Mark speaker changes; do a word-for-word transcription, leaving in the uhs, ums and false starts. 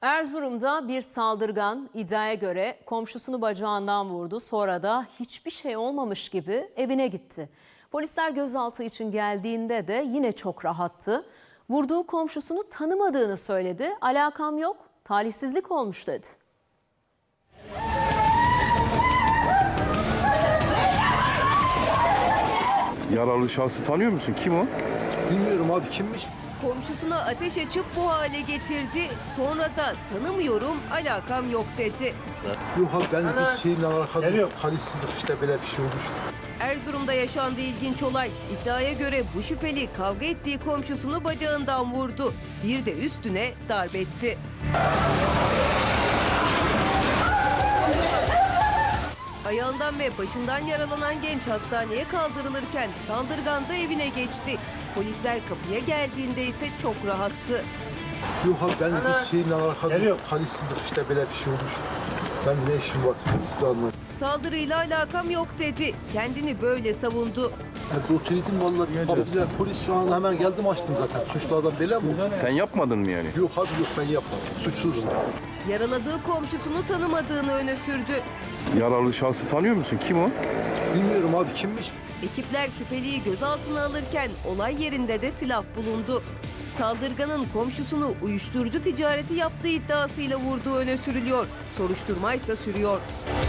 Speaker 1: Erzurum'da bir saldırgan iddiaya göre komşusunu bacağından vurdu. Sonra da hiçbir şey olmamış gibi evine gitti. Polisler gözaltı için geldiğinde de yine çok rahattı. Vurduğu komşusunu tanımadığını söyledi. Alakam yok, talihsizlik olmuş dedi.
Speaker 2: Yaralı şahsı tanıyor musun? Kim o?
Speaker 3: Bilmiyorum abi, kimmiş?
Speaker 4: Komşusuna ateş açıp bu hale getirdi. Sonra da tanımıyorum, alakam yok dedi.
Speaker 3: Yok abi, ben bir şeyle alakalı talihsizlik, işte böyle bir şey olmuş.
Speaker 4: Erzurum'da yaşandı ilginç olay. İddiaya göre bu şüpheli kavga ettiği komşusunu bacağından vurdu. Bir de üstüne darp etti. Ayağından ve başından yaralanan genç hastaneye kaldırılırken saldırgan da evine geçti. Polisler kapıya geldiğinde ise çok rahattı.
Speaker 3: Yok abi, ben bir şeyle alakalı talihsizlik, işte böyle bir şey olmuş. Ben ne işim var? Siz de anlayın.
Speaker 4: Saldırıyla alakam yok dedi. Kendini böyle savundu.
Speaker 3: Evde oturuyordum vallahi. Abiler, polis şu an hemen geldim, açtım zaten. Suçlu adam böyle mi?
Speaker 2: Sen yapmadın mı yani?
Speaker 3: Yok abi, yok, ben yapmadım. Suçsuzum.
Speaker 4: Yaraladığı komşusunu tanımadığını öne sürdü.
Speaker 2: Yaralı şahsı tanıyor musun? Kim o?
Speaker 3: Bilmiyorum abi, kimmiş?
Speaker 4: Ekipler şüpheliyi gözaltına alırken olay yerinde de silah bulundu. Saldırganın komşusunu uyuşturucu ticareti yaptığı iddiasıyla vurduğu öne sürülüyor. Soruşturma ise sürüyor.